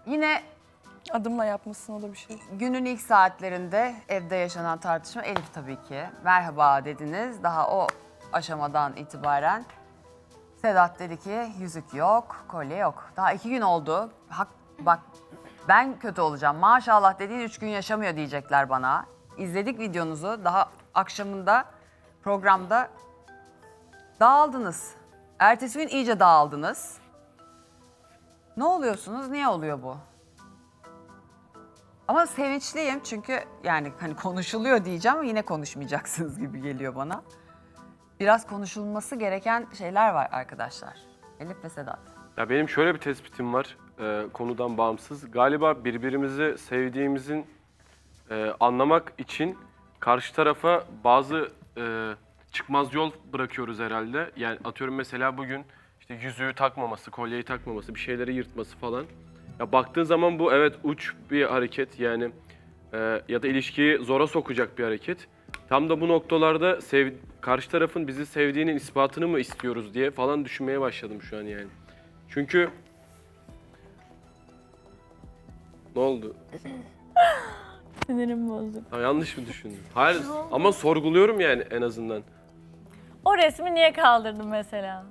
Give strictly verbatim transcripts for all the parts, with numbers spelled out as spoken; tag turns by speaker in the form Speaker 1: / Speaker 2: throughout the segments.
Speaker 1: Yine
Speaker 2: Adımla yapmışsın o da bir şey.
Speaker 1: günün ilk saatlerinde evde yaşanan tartışma Elif tabii ki. Merhaba dediniz. Daha o aşamadan itibaren Sedat dedi ki yüzük yok, kolye yok. Daha iki gün oldu. Hak, bak ben kötü olacağım. Maşallah dediğin üç gün yaşamıyor diyecekler bana. İzledik videonuzu. Daha akşamında programda dağıldınız. Ertesi gün iyice dağıldınız. Ne oluyorsunuz? Niye oluyor bu? Ama sevinçliyim çünkü yani hani konuşuluyor diyeceğim ama yine konuşmayacaksınız gibi geliyor bana. Biraz konuşulması gereken şeyler var arkadaşlar. Elif ve Sedat.
Speaker 3: Ya benim şöyle bir tespitim var e, konudan bağımsız. Galiba birbirimizi sevdiğimizin e, anlamak için karşı tarafa bazı e, çıkmaz yol bırakıyoruz herhalde. Yani atıyorum mesela bugün işte yüzüğü takmaması, kolyeyi takmaması, bir şeyleri yırtması falan. Ya baktığın zaman bu evet uç bir hareket yani e, ya da ilişkiyi zora sokacak bir hareket. Tam da bu noktalarda sev, karşı tarafın bizi sevdiğinin ispatını mı istiyoruz diye falan düşünmeye başladım şu an yani. Çünkü ne oldu?
Speaker 4: Sinirim bozdu.
Speaker 3: Ha, yanlış mı düşündüm? Hayır ama sorguluyorum yani en azından.
Speaker 4: O resmi niye kaldırdın mesela?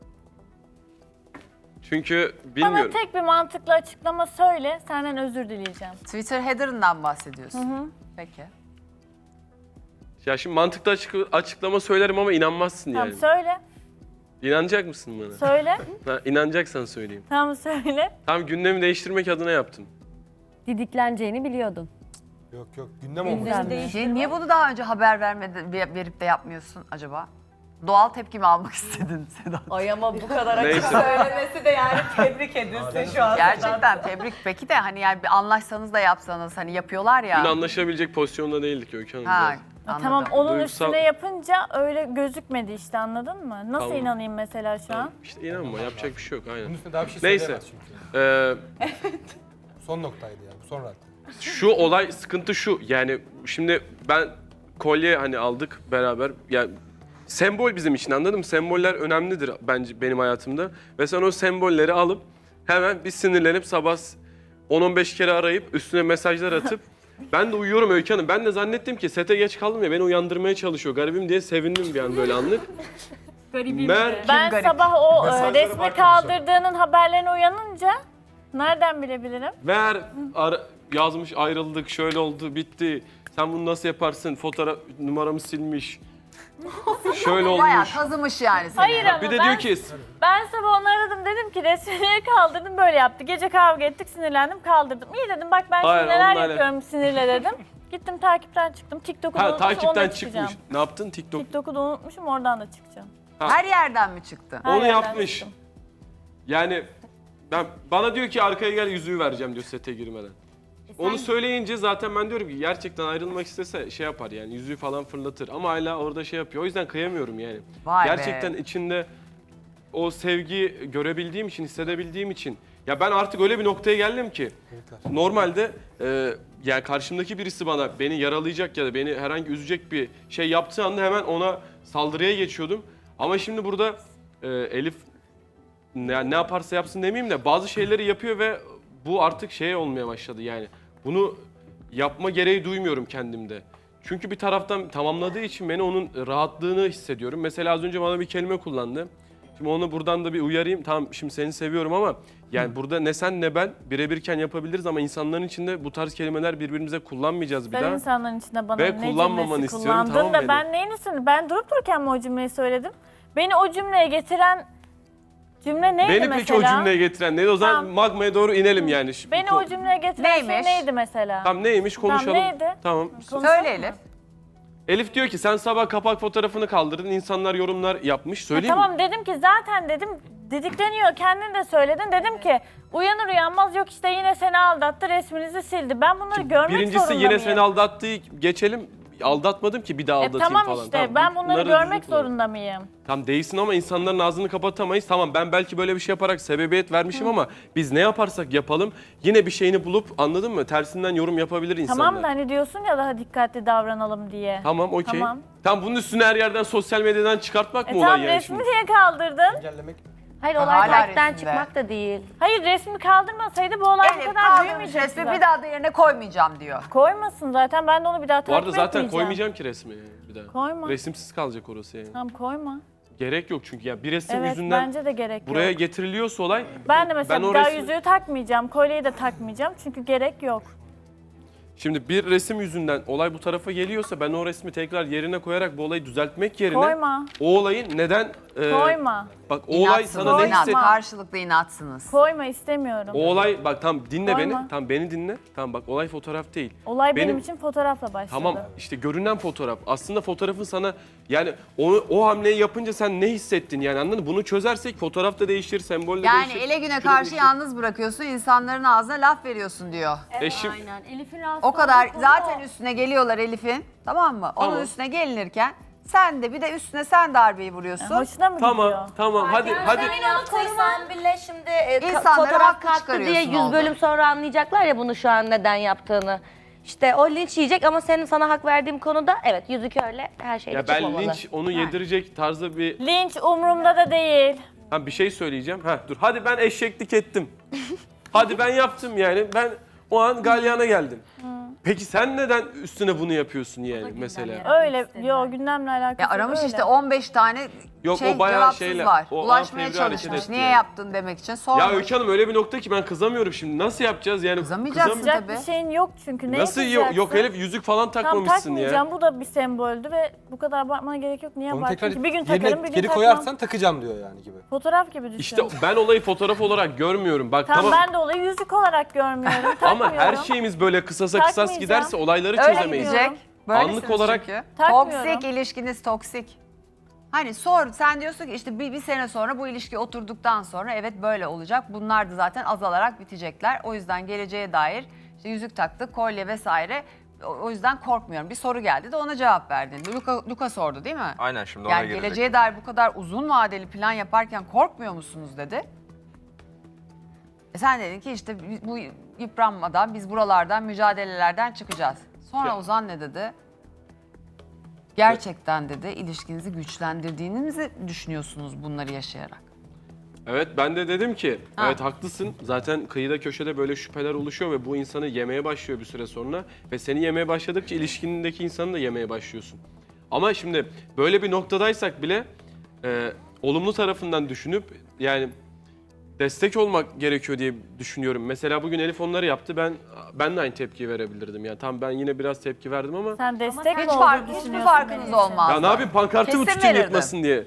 Speaker 3: Çünkü bilmiyorum.
Speaker 4: Bana tek bir mantıklı açıklama söyle, senden özür dileyeceğim.
Speaker 1: Twitter header'ından bahsediyorsun.
Speaker 4: Hı hı.
Speaker 1: Peki.
Speaker 3: Ya şimdi mantıklı açık, açıklama söylerim ama inanmazsın
Speaker 4: Tamam
Speaker 3: yani.
Speaker 4: söyle,
Speaker 3: İnanacak mısın bana?
Speaker 4: söyle.
Speaker 3: Ha, inanacaksan söyleyeyim.
Speaker 4: Tamam söyle.
Speaker 3: Tam gündemi değiştirmek adına yaptım.
Speaker 5: Didikleneceğini biliyordun.
Speaker 6: Yok yok gündem olmuş.
Speaker 1: Niye, niye bunu daha önce haber vermedi, verip de yapmıyorsun acaba? Doğal tepkimi almak istedin Sedat.
Speaker 7: Ay ama bu kadar açık
Speaker 3: Neyse.
Speaker 7: söylemesi de yani tebrik edilsin şu an.
Speaker 1: Gerçekten tebrik. Peki de hani yani bir anlaşsanız da yapsanız hani yapıyorlar ya.
Speaker 3: Dün anlaşabilecek pozisyonda değildik Öykü Hanım.
Speaker 1: Ha,
Speaker 3: biraz.
Speaker 1: anladım.
Speaker 4: Tamam onun
Speaker 3: Duygusal-
Speaker 4: üstüne yapınca öyle gözükmedi işte anladın mı? Nasıl
Speaker 3: Tamam.
Speaker 4: inanayım mesela şu an?
Speaker 3: İşte inanma yapacak bir şey yok
Speaker 6: Bunun
Speaker 3: aynen.
Speaker 6: üstüne daha bir şey
Speaker 3: Neyse.
Speaker 6: söyleyemez çünkü.
Speaker 3: Ee,
Speaker 6: Son noktaydı yani. Bu son radde.
Speaker 3: şu olay sıkıntı şu yani şimdi ben kolye hani aldık beraber yani sembol bizim için anladın mı? Semboller önemlidir bence benim hayatımda ve sen o sembolleri alıp hemen bir sinirlenip sabah on on beş kere arayıp üstüne mesajlar atıp ben de uyuyorum Öykü Hanım. Ben de zannettim ki sete geç kaldım ya beni uyandırmaya çalışıyor garibim diye sevindim bir an böyle anlık.
Speaker 4: Garibim
Speaker 3: Mer-
Speaker 4: Ben
Speaker 1: garip?
Speaker 4: sabah o e,
Speaker 6: Mesajlara
Speaker 4: resmi
Speaker 6: bakmamışlar.
Speaker 4: kaldırdığının haberlerine uyanınca nereden bilebilirim?
Speaker 3: Ver ara- yazmış ayrıldık şöyle oldu bitti. Sen bunu nasıl yaparsın? Fotoğraf numaramı silmiş. Şöyle
Speaker 1: Bayağı
Speaker 3: olmuş.
Speaker 1: kazımış yani seni.
Speaker 4: Hayır ama
Speaker 3: Bir de
Speaker 4: ben,
Speaker 3: diyor ki
Speaker 4: ben sabah onu aradım dedim ki resmi niye kaldırdın böyle yaptı. Gece kavga ettik sinirlendim kaldırdım. İyi dedim bak ben
Speaker 3: Hayır,
Speaker 4: şimdi neler
Speaker 3: onunla
Speaker 4: yapıyorum sinirle dedim. Gittim takipten çıktım. TikTok'u da
Speaker 3: ha
Speaker 4: unutmuşum
Speaker 3: takipten
Speaker 4: onunla
Speaker 3: çıkmış.
Speaker 4: çıkacağım.
Speaker 3: Ne yaptın TikTok?
Speaker 4: TikTok'u da unutmuşum oradan da çıkacağım.
Speaker 1: Her yerden mi çıktı?
Speaker 4: Her
Speaker 3: Onu
Speaker 4: yerden
Speaker 3: yapmış.
Speaker 4: çıktım.
Speaker 3: Yani ben bana diyor ki arkaya gel yüzüğü vereceğim diyor sete girmeden. Onu söyleyince zaten ben diyorum ki gerçekten ayrılmak istese şey yapar yani yüzüğü falan fırlatır ama hala orada şey yapıyor. O yüzden kıyamıyorum yani.
Speaker 1: Vay be.
Speaker 3: Gerçekten içinde o sevgi görebildiğim için, hissedebildiğim için. Ya ben artık öyle bir noktaya geldim ki normalde e, yani karşımdaki birisi bana beni yaralayacak ya da beni herhangi üzecek bir şey yaptığı anda hemen ona saldırıya geçiyordum. Ama şimdi burada e, Elif ne, ne yaparsa yapsın demeyeyim de bazı şeyleri yapıyor ve bu artık şey olmaya başladı yani. Bunu yapma gereği duymuyorum kendimde. Çünkü bir taraftan tamamladığı için beni onun rahatlığını hissediyorum. Mesela az önce bana bir kelime kullandı. Şimdi onu buradan da bir uyarayım. Tamam şimdi seni seviyorum ama yani burada ne sen ne ben birebirken yapabiliriz ama insanların içinde bu tarz kelimeler birbirimize kullanmayacağız bir
Speaker 4: Sen
Speaker 3: daha.
Speaker 4: insanların içinde bana
Speaker 3: Ve
Speaker 4: ne
Speaker 3: kullanmamanı
Speaker 4: cümlesi
Speaker 3: istiyorum,
Speaker 4: kullandın
Speaker 3: tamam
Speaker 4: da
Speaker 3: benim.
Speaker 4: ben neyin üstünde? Ben durup dururken mi o cümleyi söyledim? Beni o cümleye getiren cümle neydi
Speaker 3: Beni
Speaker 4: mesela?
Speaker 3: peki o cümleye getiren neydi? O zaman
Speaker 4: Tamam.
Speaker 3: magmaya doğru inelim yani. Şu-
Speaker 4: Beni
Speaker 3: bu-
Speaker 4: o cümleye getiren
Speaker 1: Neymiş?
Speaker 4: şey neydi mesela?
Speaker 3: Tamam neymiş konuşalım.
Speaker 4: neydi?
Speaker 3: Tamam.
Speaker 4: Konuşalım
Speaker 1: Söyle
Speaker 4: mı?
Speaker 1: Elif.
Speaker 3: Elif diyor ki sen sabah kapak fotoğrafını kaldırdın. İnsanlar yorumlar yapmış.
Speaker 4: Ya
Speaker 3: Söyleyeyim mi?
Speaker 4: tamam dedim ki zaten dedim didikleniyor kendin de söyledin. Dedim ki uyanır uyanmaz yok işte yine seni aldattı resminizi sildi. Ben bunları görmek
Speaker 3: Birincisi
Speaker 4: zorunda
Speaker 3: yine
Speaker 4: mıyım?
Speaker 3: seni aldattığı geçelim. Aldatmadım ki bir daha
Speaker 4: E
Speaker 3: aldatayım
Speaker 4: tamam
Speaker 3: falan.
Speaker 4: işte ben bunları
Speaker 3: bunları
Speaker 4: görmek
Speaker 3: düzgün kullan.
Speaker 4: zorunda mıyım?
Speaker 3: Tam değilsin ama insanların ağzını kapatamayız. Tamam ben belki böyle bir şey yaparak sebebiyet vermişim ama biz ne yaparsak yapalım yine bir şeyini bulup anladın mı? Tersinden yorum yapabilir insanlar.
Speaker 4: Tamam da hani diyorsun ya daha dikkatli davranalım diye.
Speaker 3: Tamam okey.
Speaker 4: Tamam.
Speaker 3: Tamam bunun üstüne her yerden sosyal medyadan çıkartmak
Speaker 4: E
Speaker 3: mı
Speaker 4: tamam
Speaker 3: olay yani
Speaker 4: resmi
Speaker 3: şimdi?
Speaker 4: niye kaldırdın?
Speaker 6: Engellemek.
Speaker 5: Hayır
Speaker 1: Hala
Speaker 5: olay takipten
Speaker 1: resimde.
Speaker 5: çıkmak da değil.
Speaker 4: Hayır resmi kaldırmasaydı bu olay bu
Speaker 1: Elif
Speaker 4: kadar
Speaker 1: kaldırmış
Speaker 4: büyümeyecekti
Speaker 1: resmi
Speaker 4: zaten.
Speaker 1: bir daha da yerine koymayacağım diyor.
Speaker 4: Koymasın zaten ben de onu bir daha
Speaker 3: Bu
Speaker 4: takip
Speaker 3: arada zaten
Speaker 4: etmeyeceğim.
Speaker 3: koymayacağım ki resmi bir daha.
Speaker 4: Koyma.
Speaker 3: Resimsiz kalacak orası yani.
Speaker 4: Tamam koyma.
Speaker 3: Gerek yok çünkü ya bir resim
Speaker 4: Evet
Speaker 3: yüzünden
Speaker 4: bence de gerek
Speaker 3: buraya
Speaker 4: yok.
Speaker 3: getiriliyorsa olay.
Speaker 4: Ben de mesela
Speaker 3: ben o
Speaker 4: bir daha
Speaker 3: resmi-
Speaker 4: yüzüğü takmayacağım, kolyeyi de takmayacağım çünkü gerek yok.
Speaker 3: Şimdi bir resim yüzünden olay bu tarafa geliyorsa ben o resmi tekrar yerine koyarak bu olayı düzeltmek yerine
Speaker 4: Koyma,
Speaker 3: o olayın neden e,
Speaker 4: koyma,
Speaker 3: bak o olay
Speaker 1: İnatsınız,
Speaker 3: sana ne
Speaker 1: inat,
Speaker 3: hisset
Speaker 1: karşılıklı inatsınız.
Speaker 4: koyma istemiyorum.
Speaker 3: o olay bak tam dinle
Speaker 4: Koyma.
Speaker 3: beni tam beni dinle tam bak olay fotoğraf değil.
Speaker 4: Olay benim,
Speaker 3: benim-
Speaker 4: için fotoğrafla başladı.
Speaker 3: Tamam işte görünen fotoğraf. Aslında fotoğrafın sana yani onu o hamleyi yapınca sen ne hissettin yani anladın mı? Bunu çözersek fotoğraf da değişir, sembol de
Speaker 1: Yani
Speaker 3: değişir.
Speaker 1: ele güne
Speaker 3: şu da
Speaker 1: karşı
Speaker 3: değişir.
Speaker 1: yalnız bırakıyorsun, insanların ağzına laf veriyorsun diyor.
Speaker 3: Eşim
Speaker 5: Aynen. Elif'in rahatsız
Speaker 1: O kadar
Speaker 5: olduğu konu
Speaker 1: zaten
Speaker 5: o.
Speaker 1: üstüne geliyorlar Elif'in, tamam mı? Onun
Speaker 3: Tamam.
Speaker 1: üstüne gelinirken sen de bir de üstüne sen darbeyi vuruyorsun.
Speaker 4: Hoşuna mı gidiyor?
Speaker 3: tamam tamam hadi hadi
Speaker 5: Senin yaptıysan bile şimdi e, ka-
Speaker 1: İnsanları
Speaker 5: fotoğraf
Speaker 1: haklı
Speaker 5: kalktı diye
Speaker 1: çıkarıyorsun
Speaker 5: yüz
Speaker 1: oldu.
Speaker 5: bölüm sonra anlayacaklar ya bunu şu an neden yaptığını. İşte o linç yiyecek ama senin sana hak verdiğim konuda evet yüzük öyle her şeyde
Speaker 3: ya ben
Speaker 5: çıkmamalı.
Speaker 3: linç onu yedirecek tarzda bir
Speaker 4: Linç umurumda da değil.
Speaker 3: ha, bir şey söyleyeceğim. Ha dur hadi ben eşeklik ettim. Hadi ben yaptım yani. Ben o an galyana geldim. Peki sen neden üstüne bunu yapıyorsun yani mesela?
Speaker 4: Öyle, yo gündemle alakası
Speaker 1: Ya aramış
Speaker 4: öyle.
Speaker 1: işte on beş tane
Speaker 3: Yok,
Speaker 1: şey
Speaker 3: o bayağı
Speaker 1: cevapsız
Speaker 3: şeyle-
Speaker 1: var.
Speaker 3: o
Speaker 1: Ulaşmaya
Speaker 3: amfevri hareket
Speaker 1: çalışmış.
Speaker 3: etti
Speaker 1: Niye
Speaker 3: yani.
Speaker 1: yaptın demek için sormuş.
Speaker 3: Ya Öykü Hanım öyle bir nokta ki ben kızamıyorum şimdi. Nasıl yapacağız yani?
Speaker 1: Kızamayacaksın
Speaker 3: Kızam-
Speaker 4: Yapacak
Speaker 1: tabii.
Speaker 4: bir şeyin yok çünkü. Neye
Speaker 3: Nasıl yok, yok
Speaker 4: kızacaksın?
Speaker 3: Elif yüzük falan
Speaker 4: Tam
Speaker 3: takmamışsın
Speaker 4: takmayacağım.
Speaker 3: ya.
Speaker 4: Bu da bir semboldü ve bu kadar abartmana gerek yok. Niye
Speaker 6: Onu
Speaker 4: abartayım
Speaker 6: tekrar
Speaker 4: ki? Bir gün
Speaker 6: yerine
Speaker 4: takarım, bir gün
Speaker 6: geri
Speaker 4: takmam.
Speaker 6: koyarsan takacağım diyor yani gibi.
Speaker 4: Fotoğraf gibi düşün.
Speaker 3: İşte ben olayı fotoğraf olarak görmüyorum. Bak
Speaker 4: Tamam,
Speaker 3: tamam.
Speaker 4: ben de olayı yüzük olarak görmüyorum.
Speaker 3: Ama
Speaker 4: Takmıyorum.
Speaker 3: her şeyimiz böyle kısasa kısas
Speaker 4: Takmayacağım.
Speaker 3: giderse olayları
Speaker 1: Öyle
Speaker 3: çözemeyiz.
Speaker 1: gidecek. Böylesiniz
Speaker 3: Anlık olarak-
Speaker 1: çünkü.
Speaker 4: Takmıyorum.
Speaker 1: Toksik ilişkiniz toksik. Hani sor sen diyorsun ki işte bir, bir sene sonra bu ilişki oturduktan sonra evet böyle olacak. Bunlar da zaten azalarak bitecekler. O yüzden geleceğe dair işte yüzük taktık, kolye vesaire. O, o yüzden korkmuyorum. Bir soru geldi de ona cevap verdin. Luka, Luka sordu değil mi?
Speaker 8: Aynen şimdi ona
Speaker 1: Yani
Speaker 8: gelecek.
Speaker 1: geleceğe dair bu kadar uzun vadeli plan yaparken korkmuyor musunuz dedi. E sen dedin ki işte bu yıpranmadan biz buralardan mücadelelerden çıkacağız. Sonra
Speaker 3: Ya.
Speaker 1: Ozan ne dedi? Gerçekten dedi ilişkinizi güçlendirdiğinizi düşünüyorsunuz bunları yaşayarak.
Speaker 3: Evet ben de dedim ki
Speaker 1: Ha.
Speaker 3: evet haklısın. Zaten kıyıda köşede böyle şüpheler oluşuyor ve bu insanı yemeye başlıyor bir süre sonra. Ve seni yemeye başladıkça ilişkinindeki insanı da yemeye başlıyorsun. Ama şimdi böyle bir noktadaysak bile e, olumlu tarafından düşünüp yani destek olmak gerekiyor diye düşünüyorum. Mesela bugün Elif onları yaptı. Ben ben de aynı tepkiyi verebilirdim. Yani tam ben yine biraz tepki verdim ama
Speaker 4: Sen destek mi
Speaker 1: Hiç
Speaker 4: olduğunu
Speaker 1: fark, hiçbir
Speaker 4: düşünüyorsun
Speaker 1: farkınız
Speaker 4: benim için?
Speaker 1: olmaz.
Speaker 3: ya ne yapayım pankartı mı
Speaker 1: Kesin
Speaker 3: tutayım
Speaker 1: verirdim.
Speaker 3: yırtmasın diye.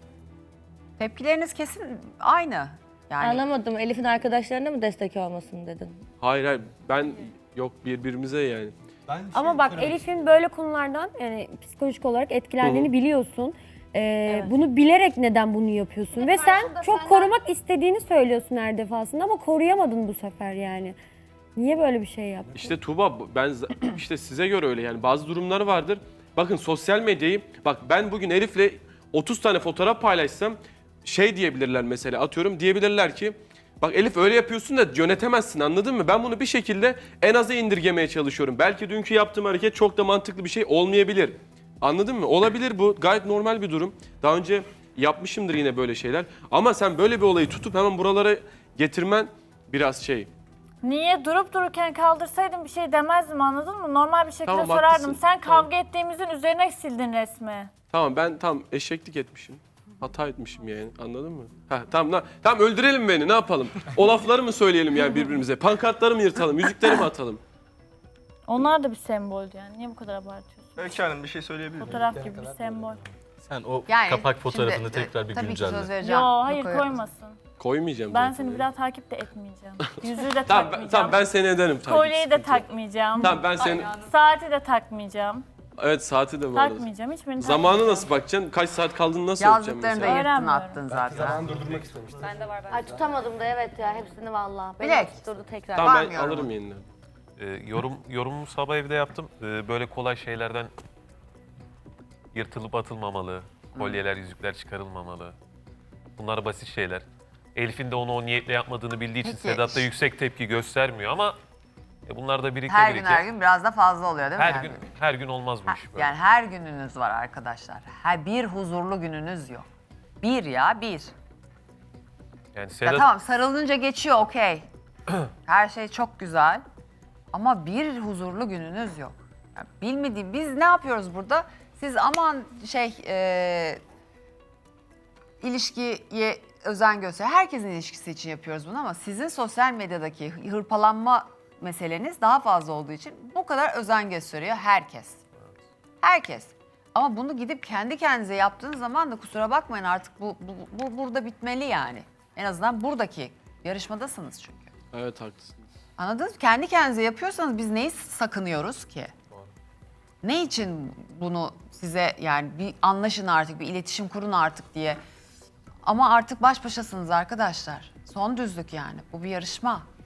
Speaker 1: Tepkileriniz kesin aynı. Yani
Speaker 5: Anlamadım. Elif'in arkadaşlarına mı destek olmasın dedin?
Speaker 3: Hayır hayır ben yok birbirimize yani.
Speaker 6: Ben bir
Speaker 9: Ama
Speaker 6: şey
Speaker 9: bak
Speaker 6: söylemek
Speaker 9: Elif'in böyle konulardan yani psikolojik olarak etkilendiğini
Speaker 3: Hı hı.
Speaker 9: biliyorsun. Ee, Bunu bilerek neden bunu yapıyorsun? Ve sen çok korumak istediğini söylüyorsun her defasında ama koruyamadın bu sefer yani. Niye böyle bir şey yaptın?
Speaker 3: İşte Tuğba ben z- işte size göre öyle yani bazı durumlar vardır. Bakın sosyal medyayı bak ben bugün Elif'le otuz tane fotoğraf paylaşsam şey diyebilirler mesela atıyorum diyebilirler ki bak Elif öyle yapıyorsun da yönetemezsin anladın mı? Ben bunu bir şekilde en aza indirgemeye çalışıyorum. Belki dünkü yaptığım hareket çok da mantıklı bir şey olmayabilir. Anladın mı? Olabilir bu gayet normal bir durum. Daha önce yapmışımdır yine böyle şeyler. Ama sen böyle bir olayı tutup hemen buralara getirmen biraz şey.
Speaker 4: Niye? Durup dururken kaldırsaydın bir şey demezdim anladın mı? Normal bir şekilde
Speaker 3: Tamam,
Speaker 4: sorardım.
Speaker 3: haklısın.
Speaker 4: Sen
Speaker 3: Tamam.
Speaker 4: kavga ettiğimizin üzerine sildin resmi.
Speaker 3: Tamam ben tam eşeklik etmişim. Hata etmişim yani anladın mı? Ha tamam na- tamam öldürelim beni ne yapalım? O lafları mı söyleyelim yani birbirimize? Pankartları mı yırtalım? Yüzükleri mi atalım?
Speaker 4: Onlar da bir semboldü yani. Niye bu kadar abartıyorsun?
Speaker 8: Öykü Hanım bir şey söyleyebilir miyim?
Speaker 4: Fotoğraf gibi bir sembol.
Speaker 10: Sen o
Speaker 1: yani
Speaker 10: kapak fotoğrafını
Speaker 1: şimdi,
Speaker 10: tekrar bir
Speaker 1: tabii ki söz
Speaker 10: güncelle.
Speaker 1: vereceğim.
Speaker 4: Yo hayır
Speaker 1: Luka'ya.
Speaker 4: koymasın.
Speaker 3: Koymayacağım
Speaker 4: Ben
Speaker 3: zaten
Speaker 4: seni
Speaker 3: yani.
Speaker 4: bir daha takip de etmeyeceğim. Yüzüğü de
Speaker 3: Tamam, ben,
Speaker 4: takmayacağım.
Speaker 3: tamam ben seni ederim tabii.
Speaker 4: Kolyeyi de
Speaker 3: sıkıntı yok.
Speaker 4: takmayacağım.
Speaker 3: Tamam ben seni...
Speaker 4: Saati de takmayacağım.
Speaker 3: Evet saati de bu arada.
Speaker 4: Takmayacağım. Hiçbirini
Speaker 3: Zamanı
Speaker 4: takmayacağım.
Speaker 3: nasıl bakacaksın? Kaç saat kaldığını nasıl ölçeceksin
Speaker 1: Yazdıklarını da
Speaker 3: mesela?
Speaker 1: yırttın
Speaker 4: Öğrenmiyorum.
Speaker 1: attın
Speaker 6: Belki
Speaker 1: zaten.
Speaker 6: zamanı durdurmak istemiştim.
Speaker 5: Ay tutamadım da evet ya hepsini valla. Beni
Speaker 1: Bilek.
Speaker 5: tutturdu tekrar.
Speaker 3: Tamam ben
Speaker 1: Vermiyorum.
Speaker 3: alırım yeniden.
Speaker 10: Ee, yorum yorumumu sabah evde yaptım. Ee, böyle kolay şeylerden yırtılıp atılmamalı. Kolyeler, yüzükler çıkarılmamalı. Bunlar basit şeyler. Elif'in de onu o niyetle yapmadığını bildiği için
Speaker 1: Peki.
Speaker 10: Sedat da yüksek tepki göstermiyor ama e, bunlar da birike
Speaker 1: Her gün
Speaker 10: birike.
Speaker 1: her gün biraz da fazla oluyor değil mi?
Speaker 10: her
Speaker 1: yani?
Speaker 10: gün her gün olmaz bu
Speaker 1: Ha,
Speaker 10: iş böyle.
Speaker 1: yani her gününüz var arkadaşlar. Her bir huzurlu gününüz yok. Bir ya bir.
Speaker 10: Yani
Speaker 1: Ya
Speaker 10: Sedat
Speaker 1: tamam sarılınca geçiyor okey. Her şey çok güzel. Ama bir huzurlu gününüz yok. Yani bilmediğim biz ne yapıyoruz burada? Siz aman şey e, ilişkiye özen göster. Herkesin ilişkisi için yapıyoruz bunu ama sizin sosyal medyadaki hırpalanma meseleniz daha fazla olduğu için bu kadar özen gösteriyor herkes. Herkes. Ama bunu gidip kendi kendinize yaptığınız zaman da kusura bakmayın artık bu, bu, bu burada bitmeli yani. En azından buradaki yarışmadasınız çünkü.
Speaker 3: Evet haklısın.
Speaker 1: Anladınız mı? Kendi kendinize yapıyorsanız biz neyi sakınıyoruz ki? Ne için bunu size yani bir anlaşın artık, bir iletişim kurun artık diye. Ama artık baş başasınız arkadaşlar. Son düzlük yani. Bu bir yarışma.